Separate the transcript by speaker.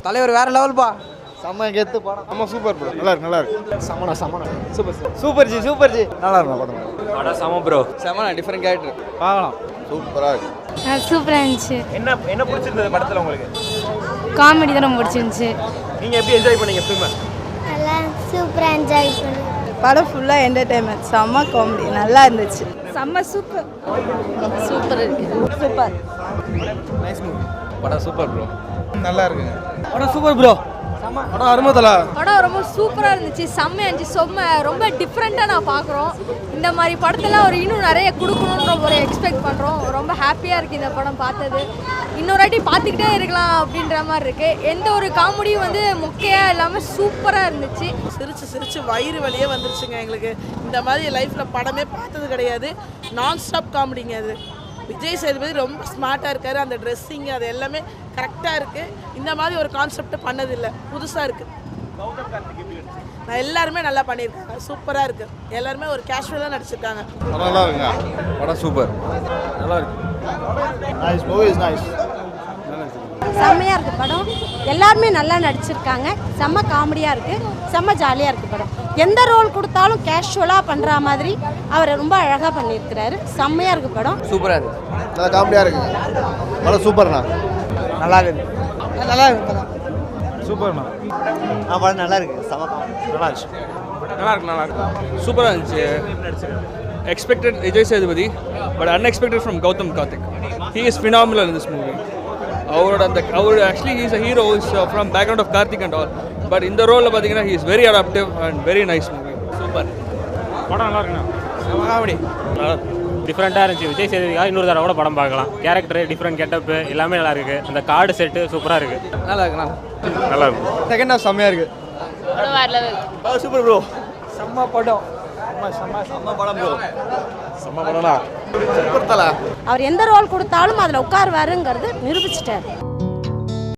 Speaker 1: தலைவர் வேற லெவல்ப்பா.
Speaker 2: செம்ம கெத்து படம். ஆமாம் சூப்பர் ப்ரோ. நல்லா இருக்கு.
Speaker 1: சமணா
Speaker 2: சூப்பர் ஜி நல்லா இருக்கும் படம்.
Speaker 1: சம ப்ரோ. சமணா டிஃபரெண்ட் கேரக்டர் பார்க்கலாம்.
Speaker 2: சூப்பராக இருக்கு.
Speaker 3: சூப்பராக இருந்துச்சு.
Speaker 4: என்ன பிடிச்சிருந்தது படத்தில் உங்களுக்கு?
Speaker 3: காமெடி தான் ரொம்ப பிடிச்சிருந்துச்சு.
Speaker 4: நீங்கள் எப்படி என்ஜாய் பண்ணீங்க ஃபிலிமை?
Speaker 3: நல்லா சூப்பராக என்ஜாய் பண்ணி.
Speaker 5: படம் ஃபுல்லாக என்டர்டைன்மெண்ட், செம்ம காமெடி, நல்லா இருந்துச்சு.
Speaker 3: செம்ம சூப்பர் இருக்கு.
Speaker 5: சூப்பர்.
Speaker 1: Nice movie. படம் சூப்பர் ப்ரோ.
Speaker 2: நல்லா இருக்குங்க.
Speaker 1: படம் சூப்பர் ப்ரோ. படம் அருமதலா.
Speaker 3: படம் ரொம்ப சூப்பராக இருந்துச்சு. செம்மையாக இருந்துச்சு. ரொம்ப டிஃப்ரெண்ட்டாக நான் பார்க்குறோம். இந்த மாதிரி படத்தெல்லாம் இன்னும் நிறைய கொடுக்கணுன்ற ஒரு எக்ஸ்பெக்ட் பண்ணுறோம். ரொம்ப ஹாப்பியாக இருக்குது இந்த படம் பார்த்தது. இன்னொரு வாட்டி பார்த்துக்கிட்டே இருக்கலாம் அப்படின்ற மாதிரி இருக்குது. எந்த ஒரு காமெடியும் மொக்கையாக இல்லாமல் சூப்பராக இருந்துச்சு.
Speaker 5: சிரிச்சு வயிறு வலியே வந்துருச்சுங்க எங்களுக்கு. இந்த மாதிரி லைஃப்பில் படமே பார்த்தது கிடையாது. நான் ஸ்டாப் காமெடிங்க அது. விஜய் சேதுபதி ரொம்ப ஸ்மார்ட்டாக இருக்கார். அந்த ட்ரெஸ்ஸிங் அது எல்லாமே கரெக்டாக இருக்குது. இந்த மாதிரி ஒரு கான்செப்ட் பண்ணதில்லை, புதுசாக இருக்குது. நான் எல்லாருமே நல்லா பண்ணியிருக்காங்க, சூப்பராக இருக்குது. எல்லாருமே ஒரு கேஷுவலாக நடிச்சிருக்காங்க.
Speaker 2: நல்லா இருக்குங்க.
Speaker 1: படம் சூப்பர். நல்லா இருக்கு.
Speaker 2: Nice movie is nice.
Speaker 3: செம்மையாக இருக்குது படம். எல்லாருமே நல்லா நடிச்சிருக்காங்க. செம்ம காமெடியாக இருக்குது. செம்ம ஜாலியாக இருக்குது படம். எந்த ரோல் கொடுத்தாலும் கேஷுவலாக பண்ணுற மாதிரி அவர் ரொம்ப அழகாக பண்ணியிருக்கிறாரு. செம்மையாக இருக்குது படம்.
Speaker 1: சூப்பராக இருக்கு.
Speaker 2: நல்லா காமெடியாக இருக்குங்க. படம் சூப்பர்ண்ணா.
Speaker 1: நல்லா இருக்கு.
Speaker 5: நல்லா இருக்கு படம்.
Speaker 4: சூப்பர்ண்ணா.
Speaker 2: படம் நல்லா இருக்கு. செம
Speaker 4: நல்லா இருந்துச்சு.
Speaker 6: நல்லா இருக்கு. சூப்பராக இருந்துச்சு. Expected Vijay Sethupathi, but unexpected from Gautham Karthik. He is phenomenal in this movie. அவர் actually he is a hero from background of Karthik and all. But இந்த ரோலில் பார்த்தீங்கன்னா he is very adaptive and very nice movie. Super.
Speaker 4: படம் நல்லா இருக்குண்ணா.
Speaker 6: காமெடி
Speaker 4: டிஃப்ரெண்ட்டாக இருந்துச்சு. விஜய் சேதுபதிக்காக இன்னொரு தடவை கூட படம் பார்க்கலாம். கேரக்டர் டிஃப்ரெண்ட் கெட்டப்பு எல்லாமே நல்லா இருக்குது. அந்த கார்டு செட்டு சூப்பராக இருக்குது.
Speaker 1: நல்லா இருக்கு.
Speaker 4: நல்லா இருக்கும்.
Speaker 1: செகண்ட் ஹாஃப் செம்மையாக இருக்கு.
Speaker 3: படம் வேறு லெவல்.
Speaker 1: Super bro. செம்ம படம். செம்ம படம் ப்ரோ.
Speaker 2: செம்ம படம்ண்ணா. சூப்பர் தலை.
Speaker 3: அவர் எந்த ரோல் கொடுத்தாலும் அதில் உட்காருவாருங்கிறது நிரூபிச்சிட்டார்.